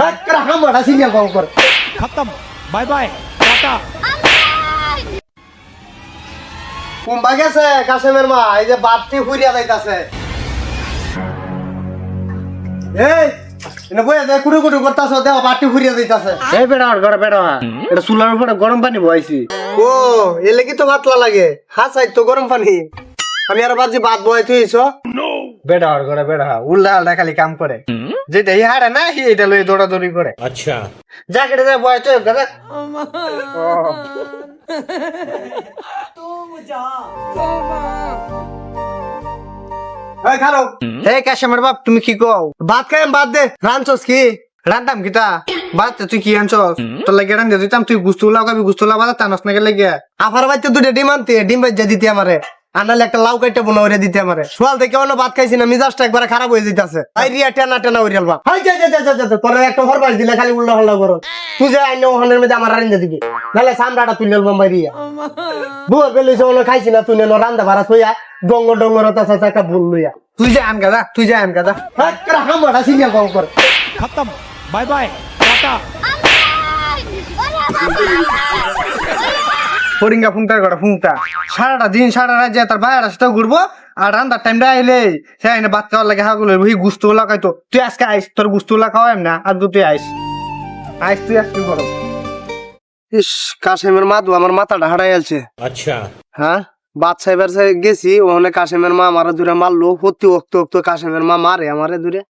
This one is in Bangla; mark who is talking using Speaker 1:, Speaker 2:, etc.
Speaker 1: হামাটা সিনিয়া কম করে
Speaker 2: खत्म बाय बाय टाटा
Speaker 1: কুম্বা গেছে কাশেমের মা এই যে বাপটি হুইরিয়া যাইতাছে এই এনে বইয়া দে কুড়ু কুড়ু করতাছ দেও বাপটি হুইরিয়া যাইতাছে
Speaker 3: এই বেড়া আর ঘরে বেড়া এটা চুলার উপরে গরম পানি বহাইছি
Speaker 1: ও এলে কি তো ভাতলা লাগে হাসাই তো গরম পানি আমি আর বাজি ভাত বহাই তুইছো
Speaker 3: বেড়া আর ঘরে বেড়া উল্লা আলটা খালি কাম করে যেটা ই হারে না এটা লই দৌড়াদৌড়ি করে
Speaker 2: अच्छा
Speaker 3: যা কেটে যা বয় তো দাদা
Speaker 1: এই খারো
Speaker 3: হে কাশেমের বাপ তুমি কি কও
Speaker 1: ভাত খাই বাদ দে রানছস কি
Speaker 3: রান্তাম কিতা বাদ তুই কি আনছস তোর লাগে রান দিতাম তুই গুস্তু লাগাবি গুস্তু লাগাবা তানস না গেলে গিয়া
Speaker 1: আফার বাচ্চা দুটো ডিম আনতে ডিম বাজ্জা দিতে আমারে আনালে একটা লাউ কাইটা বোনা ওরে দিতে আমারে সোয়াল থেকে অন্য ভাত খাইছি না মিজাজটা একবার খারাপ হয়ে যেতেছে আই রিয়া টেনা টেনা ওরিয়াল বাপ হাই যা যা যা যা তোর একটা হরবাস দিলে খালি উল্টা হল্লা করো তুই যে আইন ওখানের মধ্যে আমার রান্না দিবি নাহলে সামরাটা তুই লল বোম্বাই রিয়া বুয়া বেলিছে ওনো খাইছি না তুই নো রান্দা ভাড়া থইয়া ডঙ্গর ডঙ্গর তাছা একটা ভুল লইয়া
Speaker 3: তুই যা আন গাদা তুই যা আন গাদা
Speaker 1: হামাটা সিনিয়া কম করে
Speaker 2: खत्म बाय बाय टाटा
Speaker 3: ফরিঙ্গা ফুংটা করে ফুংটা সারাটা দিন সারা রাত যায় তার বাইরে সাথে ঘুরবো আর রান্নার টাইমটা আইলে সে আইনে ভাত খাওয়ার লাগে হাগুলো ওই গুস্তু লাগাইতো তুই আজকে আইস তোর গুস্তু লাগাও না আর তুই আইস আইস তুই আজকে করো
Speaker 1: ইস কাশেমের মাদু আমার মাথাটা হারাই আছে
Speaker 2: अच्छा
Speaker 1: হ্যাঁ বাদশাহ গেছি ওখানে কাশেমের মা আমার দূরে মারলো প্রতি অক্ত অক্ত কাশেমের মা মারে আমারে দূরে